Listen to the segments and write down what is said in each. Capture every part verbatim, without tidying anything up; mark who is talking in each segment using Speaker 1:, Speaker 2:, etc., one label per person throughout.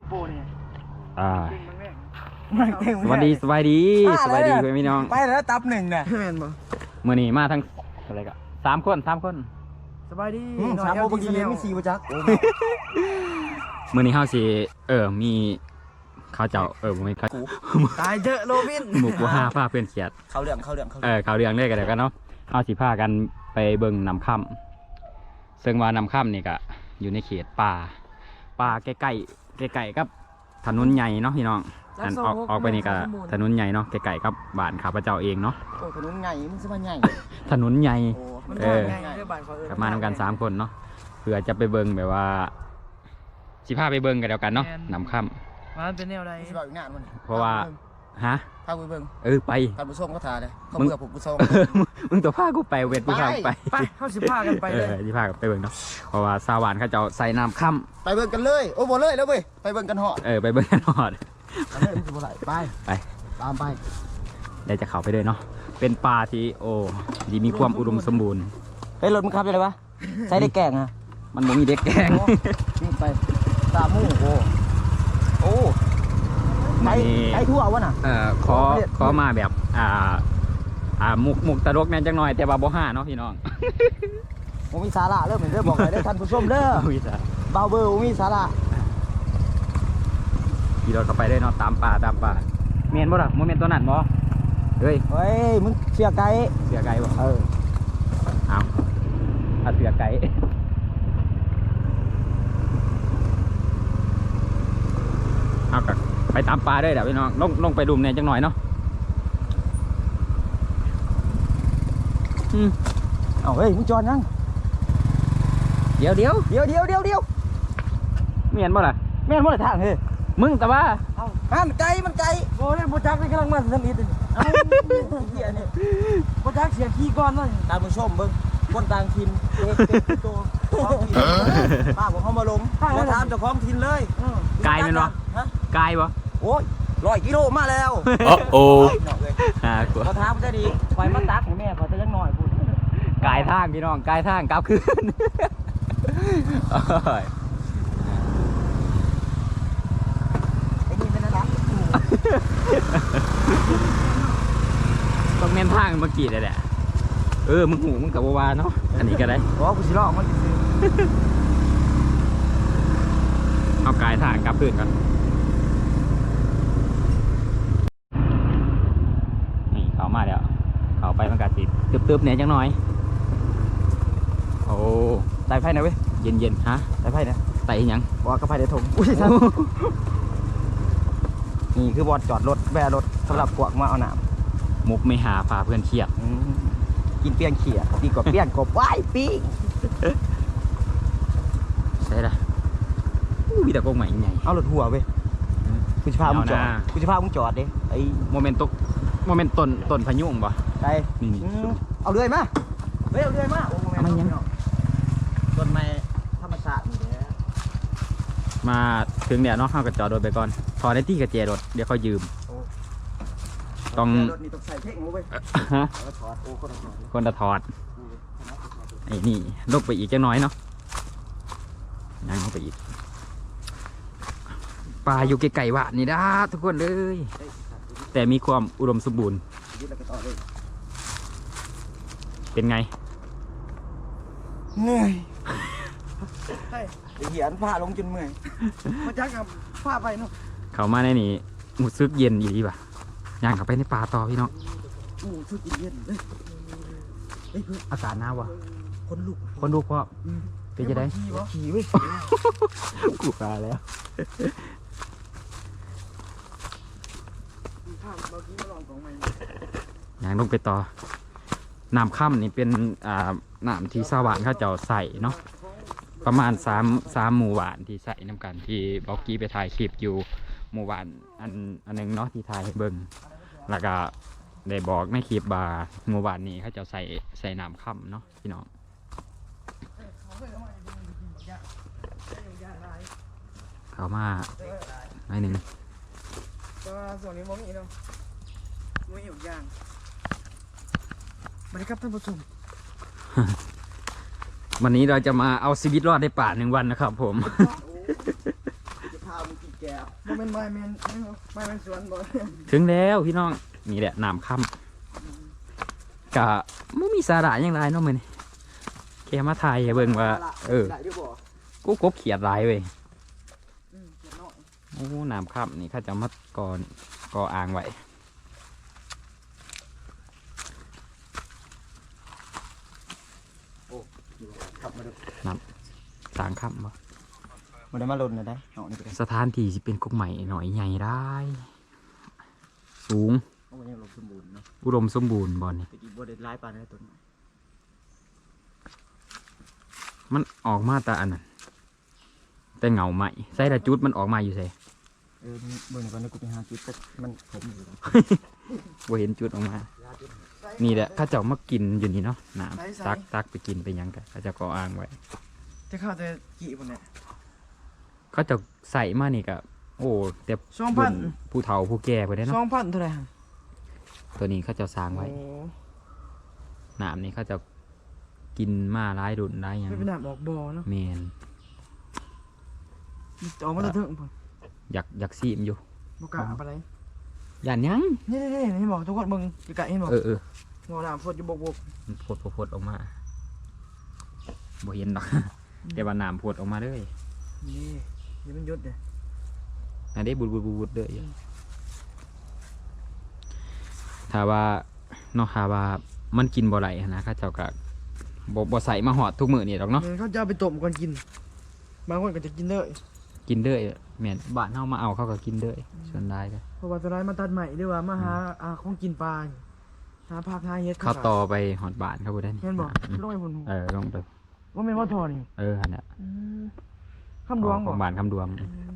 Speaker 1: โปเนี่ย
Speaker 2: อ่า
Speaker 1: เก่งมาก
Speaker 2: สวัสดีสวัสดีสวัสดีพี่น้อง
Speaker 1: ไปแล้วตับหนึ่งเนี่ยแม่นบ่
Speaker 2: มื่อนี้มาทั้งอะไรก็สามคนสามคน
Speaker 1: สบายดี
Speaker 3: สามโมงบางทีไม่สี่ประจักษ์
Speaker 2: มื่อนี้เฮาสิเออมีเขาเจ้าเออบ่มีเขา
Speaker 1: ตายเยอะโรบิน
Speaker 2: หมู่กูห้าพาเพื่อนเขียด
Speaker 3: เขาเรื่องเขาเรื่องเขา
Speaker 2: เออเขาเรื่องเด้กันเดี๋ยวกันเนาะเฮาสิพากันไปเบิ่งน้ำค่ำซึ่งว่าน้ำค่ำนี่ก็อยู่ในเขตป่าป่าใกล้ๆใกล้ๆกับถนนใหญ่เนาะพี่น้องอันออกออกไปนี่ก็ถนนใหญ่เนาะใกล้ๆกับบ้านข้าพเจ้าเองเนาะ
Speaker 3: โอ้ถนนใหญ่มันสบายใหญ่
Speaker 2: ถนนใหญ่
Speaker 3: โอ้
Speaker 1: มัน
Speaker 2: เออ
Speaker 1: ง่ายๆบ้านเขาเออก
Speaker 2: ลับมานำกันสามคนเนาะเพื่อจะไปเบิ่งแบบว่าสิพาไปเบิ่งกันเดียวกันเนาะน้ำค่
Speaker 1: มันเป็นแนวใด
Speaker 3: สิบอกอีกนานมัน
Speaker 2: ำเพราะว่าฮะ
Speaker 3: พาไปเบิ่ง
Speaker 2: เออไป
Speaker 3: ท่านผู้ชมก็ทาเลยเขาเบื่อผมผู้ชม
Speaker 2: มึงตัวพากูไปเวทกูพากูไป
Speaker 1: ไปเข้าสิพากันไป
Speaker 2: เอ
Speaker 1: เลย
Speaker 2: อที่พากันไปเบิ่งเนาะเพราะว่าสาวานเขาจะเอาใส่น้ำค่
Speaker 3: ไปเบิ่งกันเลยโอ้บ่เลยแล้วเว้ยไปเบิ่งกันหอด
Speaker 2: ำเออไปเบิ่งกันหอด
Speaker 3: ไปเลยมันจะบ่ไหลไป
Speaker 2: ไป
Speaker 3: ตามไป
Speaker 2: เดี๋ยวจะเข้าไปเลยเนาะเป็นป่าที่โอ้ดีมีความอุดมสมบูรณ์
Speaker 3: เฮ้ยรถมึงขับยังไงวะใช้ได้แกงอ่ะ
Speaker 2: มันบ่มีเด็กแกง
Speaker 3: นี่ไปตามมู่โอ้โอ้ไก่ไก่ทั่ววะน่ะ
Speaker 2: เอ่อขอขอมาแบบอ่าอ่ามุกมุกตะลกแน่จังหน่อยแต่ว่าบ่ห้าเนาะพี่น้อง
Speaker 3: ผมมีสาระเริ่มเห็นเด้อบอกเลยเด้อท่านผู้ชมเด้อ
Speaker 2: อุ้ยจ้ะ
Speaker 3: เบาเบอร์ผมมีสาระ
Speaker 2: ขี่รถเข้าไปเลยเนาะตามป่าตามป่าเมียนบ่ล่ะบ่เมียนตัวนั้นบ่เฮ้ย
Speaker 3: เฮ้ยมึงเสียไก่
Speaker 2: เสือไก่บ่
Speaker 3: เออ
Speaker 2: เอาถ้าเสือไก่เอากะไปตามป่าเลยเดี๋ยวพี่น้องลงลงไปดุมเนี่ยจังหน่อยเนาะอืม
Speaker 3: เอาเฮ้ยมึงจอดยัง
Speaker 2: เดี๋ยวเดี๋ยว
Speaker 3: เดี๋ยวเดี๋ยวเดี๋ยวเดี๋ยว
Speaker 2: เมียนบ่ล่ะ
Speaker 3: แม่นบ่ได้ทางเฮ้ย
Speaker 2: มึงแต่ว่า
Speaker 3: เอาหันไก่มันไก่
Speaker 1: โอ้ยโปรจักนี่กำลังมาสมิธ
Speaker 3: เอาเหี้ยนี่
Speaker 1: โปรจักเสียขี้ก้อนเลย
Speaker 3: ตามผู้ชมเบิ่งคนต่างถิ่นเด็กเด็กตัวท้องถิ่นป้าบอกเขามาลงมาถามเจ้าของถิ่นเลย
Speaker 2: ไกลแม่นบ่
Speaker 3: ฮะ
Speaker 2: ไกลบ่
Speaker 3: โอ้ยร้อยกิโลมาแล้ว
Speaker 2: โอ้
Speaker 3: หน่อยเลย
Speaker 2: อ่ากลัว
Speaker 3: เขาถามจะดีไปมาตักให้แม่เขาจะยังหน่อยพูด
Speaker 2: ไกลทางพี่น้องไกลทางกลับคืนโอ้ย
Speaker 3: ไอ้นี่เป็นอะไร
Speaker 2: ต้องเน้นทางเมื่อกี้เลยแหละเออมึงหูมึงกับวาเนาะอันนี้ก็ได้
Speaker 3: โอ้กูสิลอกมันสิซื้อ
Speaker 2: เอากายทางกลับพื้นก่อนนี่เขามาแล้วเขาไปมันกัดสิตึบๆเนี่ยจังหน่อยโอ้
Speaker 3: ไต่ไผ่นะเว้ย
Speaker 2: เย็นๆฮะ
Speaker 3: ไต่ไผ่นะ
Speaker 2: ไต่หยัง
Speaker 3: บอกกระไผ่ในถงอุ้ยท่านนี่คือบอลจอดรถแวะรถสำหรับกวกมาเอาหนาม
Speaker 2: มุกไม่หาพาเพื่อนเครียด
Speaker 3: อืมกินเปี้ยงเขี่ยดีกว่าเปี้ยงกบว้ายปีก
Speaker 2: ใช่ละมีแต่กงใหม่ใหญ่
Speaker 3: เอารถหัวเว้ยกูจะพามึงจอด
Speaker 2: เอานะ
Speaker 3: กูจะพามึงจอดดิไอ้
Speaker 2: โมเมนต์ตกโมเมนต์ต้นต้นพายุงปะ
Speaker 3: ไก่
Speaker 2: นี่นี่
Speaker 3: อืมเอาเรื่อยมาเฮ้ยเอาเรื่อยมาโอ้โห
Speaker 2: เอามายัง
Speaker 3: ต้นไม้ธรรมชาตินี่แหละ
Speaker 2: มาถึงเดี๋ยวเนาะเขาก็จอดรถไปก่อนพอได้ที่กระเจรถเดี๋ยวเขายืม ต้อง
Speaker 3: รถนี่ต้องใส่เทคโนเว้ย
Speaker 2: ฮะ
Speaker 3: แล้วถอดโอ้ก็ต้องถอด
Speaker 2: คนจะถอดไอ้นี่ลกไปอีกจังน้อยเนาะยังเข้าไปอีกป่าอยู่ไกลๆวะนี่ด้าทุกคนเลย แต่มีความอุดมสมบูรณ์
Speaker 3: ยึดแล้วก็ต่อเลย
Speaker 2: เป็นไง
Speaker 3: เหนื่อย
Speaker 1: ใช่
Speaker 3: ไอ้เหี้ยนผ้าลงจนเมื่อย
Speaker 1: โปรจักกับพาไปเนาะ
Speaker 2: เขามาในนี่หมูซึกเย็นอยู่ดีป่ะย่างเข้าไปในป่าต่อพี่น้อง
Speaker 3: โอ้ชุดเย็นเลยเฮ้ยเพื่อน
Speaker 2: อากาศหนาววะ
Speaker 3: คนลุก
Speaker 2: คนดูเพราะเป็นจะได้
Speaker 1: ขี้บ่
Speaker 3: ขี่เว้ย
Speaker 2: กูปลาแล้ว
Speaker 1: ข้ามเมื่อกี้มาลองของใหม่
Speaker 2: ย่างลงไปต่อน้ำค่ำนี่เป็นอ่าน้ำที่สว่านเขาเจ้าใส่เนาะประมาณสามสามหมู่หวานที่ใส่น้ำกันที่บอกกี้ไปถ่ายคลิปอยู่หมู่หวานอันอันหนึงเนาะที่ถ่ายให้เบิ่งแล้วก็ได้บอกในคลิปบาหมู่หวานนี้เขาเจ้าใส่ใส่น้ำค่ำเนาะพี่น้องเขามาหน่อยหนึ่ง
Speaker 1: แต่ว่าส่วนนี้บ่มีเนาะบ่มีอยู่อย่างสวัสดีครับท่านผู้ชม
Speaker 2: วันนี้เราจะมาเอาชีวิตรอดในป่าหนึ่งวันนะครับผม
Speaker 3: จะพามึงกินแก้ว
Speaker 1: บ่เป็นไม้แมนไม้แมนสวนบ่
Speaker 2: ถึงแล้วพี่น้องนี่แหละน้ำค่ำกะไม่มีสาระอย่างไรเนาะมื้อนี้แค่มาถ่ายให้เบิ่งว่าเออ
Speaker 3: ได้ด้วยบ่
Speaker 2: กูกบเขียดหลายเว้ย
Speaker 1: อืมเขียนน้อย
Speaker 2: โอ้น้ำค่ำนี่เขาจะมัดก่อนก่ออ่างไว้
Speaker 3: ขับมาดู
Speaker 2: สางค่ำบ่
Speaker 3: มันได้มาลนเลยได้เอานี่ไปกัน
Speaker 2: สถานที่สิเป็นกกใหม่หน่อยใหญ่ได้ สูง
Speaker 3: เอาไว้ยังลงสมบูรณ์เนาะ
Speaker 2: อุดมสมบูรณ์บ่นี่
Speaker 3: ตะกี้บ่ได้ร้ายปานนั้นต้นไม้
Speaker 2: มันออกมาแต่อันนั้นแต่เงาใหม่ใส่ละจุดมันออกมาอยู่ใส่
Speaker 3: เออเบิ่งก่อนนะกูไปหาจุดแต่มันผมอยู่แล้ว
Speaker 2: บ่เห็นจุดออกมา นี่แหละเข้าเจ้ามากินอยู่นี่เนาะน้ำตักตักไปกินไปหยังกันเขาเจะก่ออ่างไว้
Speaker 1: จะเข้าแต่กี่พุ่นเนี่ย
Speaker 2: เขาเจะใส่มานี่ก็โอ้แต่
Speaker 1: สองพัน
Speaker 2: รุ่ผู้เฒ่าผู้แก่ไปได้
Speaker 1: สอ
Speaker 2: เนาะ
Speaker 1: งพันเท่าไหร่ฮะ
Speaker 2: ตัวนี้เขาเจะสร้างไว้
Speaker 1: โอ้
Speaker 2: น้ำนี่เขาเจะกินมาหลายรุ่นหลายหยัง
Speaker 1: ไม่เป็นหนามออกบ่อเนาะ
Speaker 2: แมน
Speaker 1: ออกมาจะถึงพุ่น
Speaker 2: อยากอยากซีมอยู่
Speaker 1: บ่กล้าเอาไปไหน
Speaker 2: ย่านหยัง
Speaker 1: นี่นี่นี่บอกทุกคนเบิ่งไกลๆเห็นบอก
Speaker 2: เออเออ
Speaker 1: หัวหนามฝดอยู่บก
Speaker 2: มันพดพดพดออกมาบ่เห็นดอก แต่ว่าน้ำพดออกมาเลย
Speaker 1: ๆนี่นี่มันยุดเนี่ย
Speaker 2: อันนี้บุดบุดบุดบุดเลยถ้าว่าเนาะถ้าว่ามันกินบ่ไหลหั้นนะเข้าเจ้าก็บ่บ่ใส่มาหอดทุกมื้อนี่ดอกเนาะ
Speaker 1: เขาจะเอาไปต้มก่อนกิน บางคนก็จะกินเลย
Speaker 2: กินเด้อยแม่นบ้านเฮามาเอาเขาก็กินเด้อยส่วนได้ก็
Speaker 1: เพราะว่าจะได้มาตัดใหม่หรือว่ามาหาอาของกินปลาหาผักหาเห็ด
Speaker 2: เขาต่อไปหอดบ้านเขาบ่ได้นี่
Speaker 1: เห็นบอก
Speaker 2: อืม
Speaker 1: ลงไปพุ่น
Speaker 2: เออลงไป
Speaker 1: ว่าเป็นว่าทอนี่
Speaker 2: เออหั่นน่ะ
Speaker 1: คำดวง
Speaker 2: ข
Speaker 1: บ
Speaker 2: อ
Speaker 1: อก
Speaker 2: งบ้านคำดวง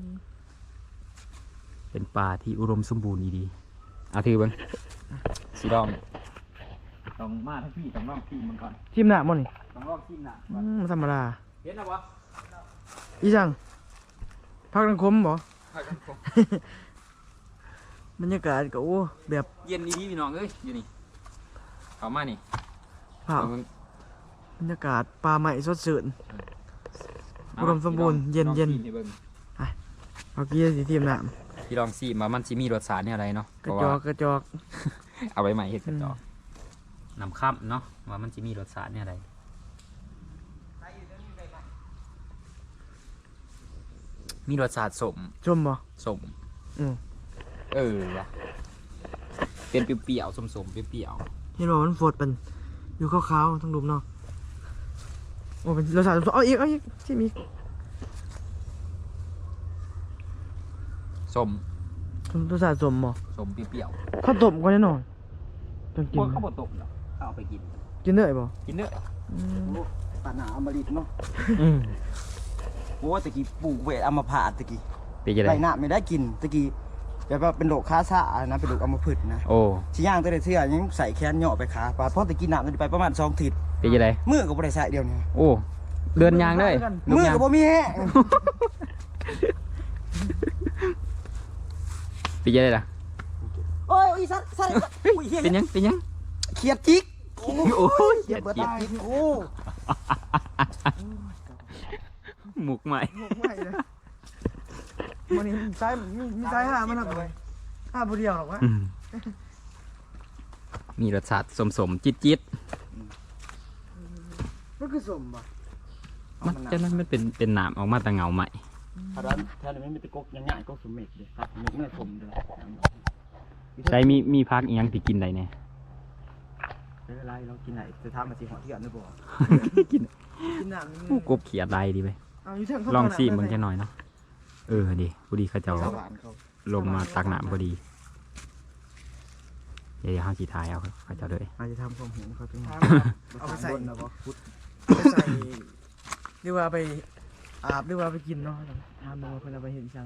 Speaker 2: เป็นป่าที่อุดมสมบูรณ์ดีๆเอาถือเบิ่งสีดองต้องมาทั้งพี่ต้องลองพี่มันก่อน
Speaker 1: ทีมหน้ามั้งนี่
Speaker 2: ต้องลองชิมน่ะ
Speaker 1: อืมธรรมดา
Speaker 2: เห็นแล้วบ่
Speaker 1: อีจังพักนังคมบ่บรรยากาศก็โอ้แบบ
Speaker 2: เย็นดีๆพี่น้องเอ้ยอยู่นี่เข้ามานี่
Speaker 1: ภาพบรรยากาศป่าใหม่สดชื่น อุดมสมบูรณ์เย็นๆ
Speaker 2: ลองชิมให้บิ่ง
Speaker 1: เอากี้สิทีมหน้า
Speaker 2: พี่ลองซีมามันสิมีรสชาติเนี่ยอะไรเนาะ
Speaker 1: กระจอกกระจอก
Speaker 2: เอาไว้ใหม่เฮ็ดกระจอกนำข้ามเนาะว่ามันสิมีรสชาติเนี่ยอะไรมีรสชาติสม
Speaker 1: ชมบ่
Speaker 2: สม
Speaker 1: อืม
Speaker 2: เออว่ะเป็นเปรี้ยวๆสมๆเปรี้ยว
Speaker 1: เห็นบอกมันฝดเป็นอยู่ขาวๆทั้งรูปเนาะโอ้เป็นรสชาติเอาอีกเอาอีกที่มี
Speaker 2: ๆสม
Speaker 1: รสชาติสมบ่
Speaker 2: สมเปรี้ยว
Speaker 1: ข้าวต้มก่อนแน่นอนจน
Speaker 2: ๆ
Speaker 1: กิ
Speaker 2: พ
Speaker 1: น
Speaker 2: วกข้าวบดตกเนาะเอาไปกิน
Speaker 1: กินได้บ่
Speaker 2: กินเด้อ
Speaker 1: อืม
Speaker 3: โอ้ปานหนาอมฤตเนาะ
Speaker 2: อืม
Speaker 3: โอ้ตะกี้ปลูกเวทอัมพาตตะกี้
Speaker 2: เป็นยังไง
Speaker 3: ไรหน้าไม่ได้กินตะกี้แบบว่าเป็นโรคค้าซ่านะเป็นโรคอัมพฤกษ์นะ
Speaker 2: โอ้
Speaker 3: ชิย่างตัวเดียวเสื้อยังใส่แขนเหยาะไปขาปาดเพราะตะกี้น้ำมันไปประมาณสองถิด
Speaker 2: เป็นยังไง
Speaker 3: มือก็บ่ได้ใส่เดียวนี่
Speaker 2: โอ้เดินยางได้
Speaker 3: มือก็บ่มีแฮะ
Speaker 2: เป็นยังไงล่ะ
Speaker 3: โอ้ยอีสัตว์สัตว์อุ้ยเฮีย
Speaker 2: เป็นยังเป็นยัง
Speaker 3: เขียดจิก
Speaker 2: โอ้ย
Speaker 3: เขียดเบิดตายโอ้
Speaker 2: หมุกใหม่
Speaker 1: หมกไหวเลยมันนี่ซ้ายมีมีซ้ายห้ามันหรอกห้าผู้เดียวหรอกวะ
Speaker 2: อืมมีรสชาติสมสมๆจิตจิต
Speaker 1: มันคือสมบ่
Speaker 2: ๆมันจะนั้นมันเป็นเป็นหนามออกมาแต่เงาใหม่
Speaker 3: ถ้าร้านถ้ามันมีตะกกง่ายๆก็สมเม็ดเลยครับเม็ดไม่ผมเลย
Speaker 2: ใช้มีมีพักอีกยังที่กินได้เนี่ย
Speaker 3: ไม่เป็นไรเรากินไหนจะทำมาสิหัวเที่ยวนึกบ่
Speaker 2: กิน
Speaker 1: กินหนัง
Speaker 2: ผู้กบเขียดได้ดีไป
Speaker 1: เอาอยู่เทิงเขา
Speaker 2: ลองซี
Speaker 1: ต
Speaker 2: มึงจะหน่อยเนาะเออดีพอดีเขาเจะ
Speaker 3: สวรรค์เขา
Speaker 2: ลงมาตักน้ำพอดีเดี๋ยวห้าสีทายเอาเขาเจะเลย
Speaker 3: อาจจะทำความเห็นเขาเป็นไง
Speaker 1: เอาไปใส่
Speaker 3: บนนะบ่พุทธ
Speaker 1: เอาไปใส่หรือว่าไปอาบหรือว่าไปกินเนาะทำมาเพื่อนเอาไปเห็นชัง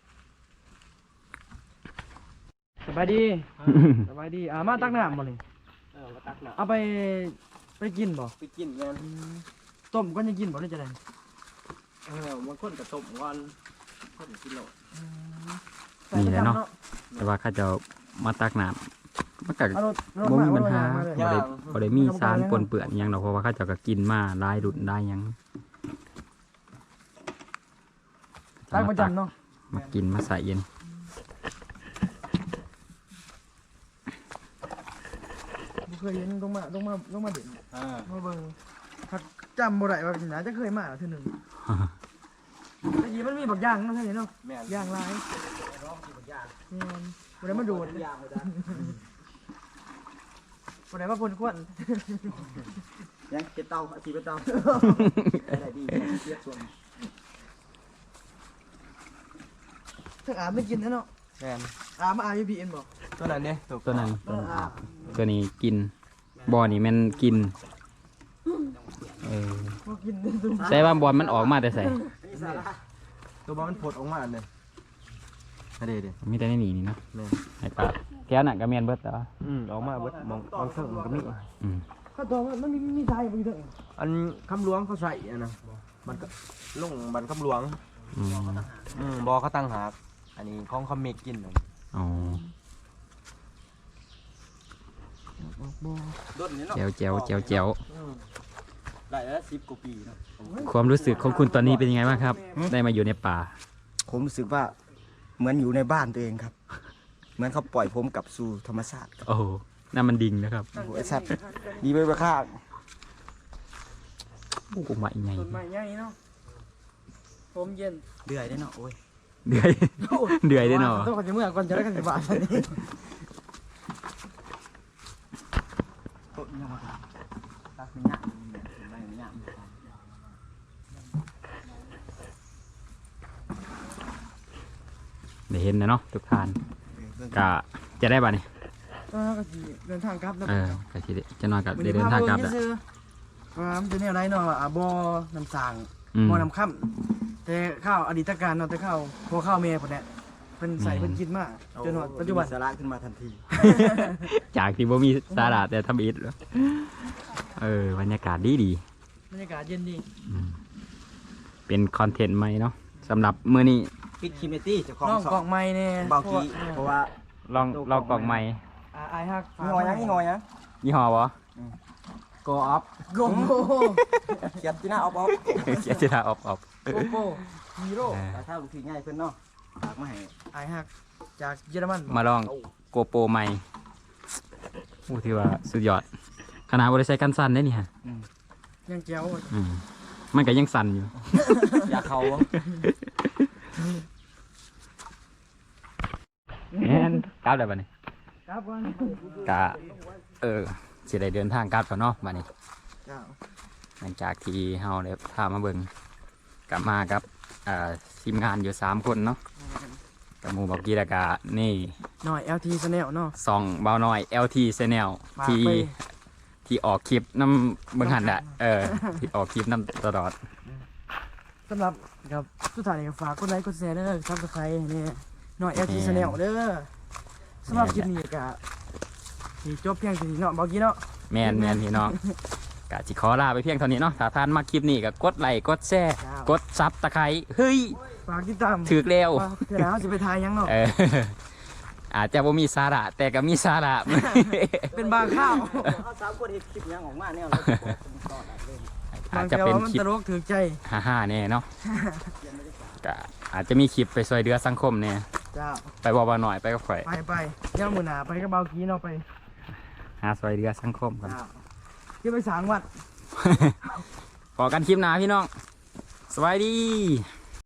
Speaker 1: สบายดีสบายดีอ่ามาตักน้ำบ่เลย
Speaker 3: เออมาตักหนา
Speaker 1: เอาไปไปกินบ่
Speaker 3: ไปกินกัน
Speaker 1: ต้มก็ยังกินบ่ได้จะได้
Speaker 3: เออมันคนกระตบวันคนกินโล
Speaker 2: นี่แหละเนาะแต่ว่าเขาเจะมาตักน้ำมันก็
Speaker 1: เอารถรถ
Speaker 2: บ่
Speaker 1: มา
Speaker 2: มีปัญหา
Speaker 1: เอรถ
Speaker 2: บ่
Speaker 1: มาเลย
Speaker 2: ได้บ่ได้มีสารปนเปื้อนหยังดอกเพราะว่าเขาเจะก็กินมาหลายรุ่นได้ยัง
Speaker 1: ตักประจำเนาะ
Speaker 2: มากินมาใส่เย็น
Speaker 1: บ่เคยเห็นลงมาลงมาลงมาเด่น
Speaker 3: อ่า
Speaker 1: มาเบิ่งถ้าจำบ่ได้ว่าเป็นหยังจะเคยมาเทื่อหนึงแต่ยีมันมีบักอย่างเนาะเท่านี้เนาะ
Speaker 3: แม่น
Speaker 1: อย่างหลาย
Speaker 3: ร้องกินบางอย่าง
Speaker 1: แม่นบ่ได้มาโดด
Speaker 3: บางอย่างเลยจ้ะ
Speaker 1: บ่ได้มาพ่นควัน
Speaker 3: ยังเก็บเตาอาชีพเป็นเตาได้ดีเสียส่วน
Speaker 1: ถ้าอาบไม่กินนะเนาะ
Speaker 3: แม่น
Speaker 1: อาบมาอาบอยู่พีเอ็นบ่
Speaker 3: ตัวนั้นเนี่ย
Speaker 2: ตัวนั้น
Speaker 1: เอออาบ
Speaker 2: ตัวนี้กินบอนี่มันกินเออ
Speaker 1: บ่กินดู
Speaker 2: ใส่ว่าบอลมันออกมาแต่ใส่
Speaker 3: นี่สาระตัวบอลมันผดออกมาอันเลยอันเดียวเดียว
Speaker 2: มีแต่ในนี่นี่เนาะ
Speaker 3: แม่น
Speaker 2: ไอ้ปลาแก้วน่ะก็เมียนเบิดแต่ว่า
Speaker 3: อืมออกมาเบิดมองมองเพิ่งมันก็มี
Speaker 2: อืม
Speaker 1: ข้าวตัวมันมีมีทรายบ่อยู่เด้อ
Speaker 3: อันคำหลวงเขาใส่อันนะมันก็ลงบันคำหลวง
Speaker 2: อืม
Speaker 3: อืมบอเขาตั้งหากอันนี้ของเขาเมกกินน่ะ
Speaker 2: อ๋อ
Speaker 3: ต้นนี้เนาะ
Speaker 2: แจวแจวแจวแจว
Speaker 3: ได้แล้วสิบกว่าปีเนาะ
Speaker 2: ความรู้สึกของคุณตอนนี้เป็นยังไงบ้างครับ ได้มาอยู่ในป่า
Speaker 4: ผมรู้สึกว่าเหมือนอยู่ในบ้านตัวเองครับ เหมือนเขาปล่อยผมกลับสู่ธรรมชาติครับ
Speaker 2: โอ้โหนั่นมันดิ่งนะครับ
Speaker 4: โอ้โหไอ้สัตว์ดีไปประค่า
Speaker 2: โอ้โหมาอีกไง
Speaker 1: ต้นไม้ใหญ่เนาะผมเย็น
Speaker 4: เดือยได้เนาะโอ้ย
Speaker 2: เดือยเดือยได้เนาะ
Speaker 1: ต้องก่อนจะเมื่อก่อนจะได้กันสิบาทอันนี้
Speaker 4: โต๊ะนี่มาตักไม่ยากไม่ยาก
Speaker 2: ได้เห็นนะเนาะทุกท่านกะจะได้ป่ะนี่
Speaker 1: ก็ก็สิเดินทางกลับแล้ว
Speaker 2: เออกะทีเดจะนอนกับได้เดินทางกลับแหละ
Speaker 1: ว่ามันจะแนวไรเนาะอ่ะบ่อน้ำสาง
Speaker 2: อืม
Speaker 1: บ่อน้ำค่ำแต่ข้าวอดีตการเนาะแต่ข้าวพอข้าวเมย์พุ่นแหละเพิ่นใส่เพิ่นคิดมาจนฮอดปัจจุบัน
Speaker 4: มีสาระขึ้นมาทันที
Speaker 2: จากที่บ่มีสาระแต่ทำอิฐแล้วเออบรรยากาศดีดี
Speaker 1: บรรยากาศเย็นดี
Speaker 2: อืมเป็นคอนเทนต์ใหม่เนาะสำหรับมื้อนี้
Speaker 4: ปิดคิมเมตี้เจ้าของ
Speaker 1: น้อง
Speaker 4: สอก
Speaker 1: ล่อง งไม้แน่
Speaker 4: เบากี้เพราะว่า
Speaker 2: ลองลองกล่องใหม่
Speaker 1: อ่าอายฮัก
Speaker 4: ยี่ห้อยังยี่ห้อยัง
Speaker 2: ยี่ห้อบ่
Speaker 4: โกออฟ
Speaker 1: โกโก้
Speaker 4: เขียนที่หน้าออฟออฟ
Speaker 2: เสียจิตาออกออก
Speaker 1: โกโก้ฮีโร่
Speaker 4: แต่ถ้าลูกพี่ง่ายเพิ่นเนาะฝากมาให้
Speaker 1: อายฮักจากเยอรมัน
Speaker 2: มาลองโกโปรใหม่โอ้ที่ว่าสุดยอดขนาดบ่ได้ใช้กันสั่นได้นี่ฮะ
Speaker 1: ยังแจ๋ว
Speaker 2: อืมมันก็ยังสั่นอยู่
Speaker 4: อยากเขา
Speaker 2: แม่นกลับได้บัดนี้
Speaker 1: ครับวัน
Speaker 2: กะเออสิได้เดินทางกลับแล้วเนาะบัดนี้
Speaker 1: เจ้า
Speaker 2: หลังจากที่เฮาได้พามาเบิ่งกลับมากับอ่าทีมงานอยู่สามคนเนาะกับหมู่บอกกี้แล้วก็นี่
Speaker 1: หน่อย แอล ที Channel เนาะ
Speaker 2: สองเบาน้อย แอล ที Channel
Speaker 1: ฝาก
Speaker 2: ที่
Speaker 1: ไป
Speaker 2: ที่ออกคลิปน้ำเบิ่งหันอะเออ ที่ออกคลิปน้ำตลอด
Speaker 1: สำหรับครับสุดท้ายนี่ก็ฝากกดไลค์กดแชร์เด้อซับสไครต์นี่หน่อย แอล ที Channel เด้อสำหรับคลิปนี้ก็สิจบเพียงเท่านี้เนาะบอกกี้เนาะ
Speaker 2: แมนแมนพี่น้องกะจิขอลาไปเพียงเท่านี้เนาะถ้าท่านมาคลิปนี้ก็กดไลค์กดแชร์กดซับตะไคร้เฮ้ย
Speaker 1: ฝากติดตาม
Speaker 2: ถือแล้ว
Speaker 1: ว่าเดี๋ยวเราจะไปทายยังเนาะ
Speaker 2: เอออาจจะบ่มีสาระแต่ก็มีสาระ
Speaker 1: เป็นบางข้าว
Speaker 4: เขาสามคนเฮ็ดคลิปยังออกมาเนี่ยเราจะบอกเป็นตอนเลย
Speaker 2: อา
Speaker 1: บา
Speaker 2: จ
Speaker 1: ง
Speaker 2: จะ
Speaker 1: แต่
Speaker 2: เป็น
Speaker 1: ว่ามัน
Speaker 2: คลิป
Speaker 1: ตลกถือใจ
Speaker 2: ฮ่าๆแน่เนาะก็อาจจะมีคลิปไปช่วยเหลือสังคมเนี่ย
Speaker 1: เจ้า
Speaker 2: ไปบอกว่าหน่อยไปกับข่อย
Speaker 1: ไปไปเดี๋ยวมือหนาไปก็เบากี้เนาะไป
Speaker 2: หาช่วยเหลือสังคมกัน
Speaker 1: เจ้าที่ไปสางวัด
Speaker 2: พอกันคลิปหน้าพี่น้อง สวัสดี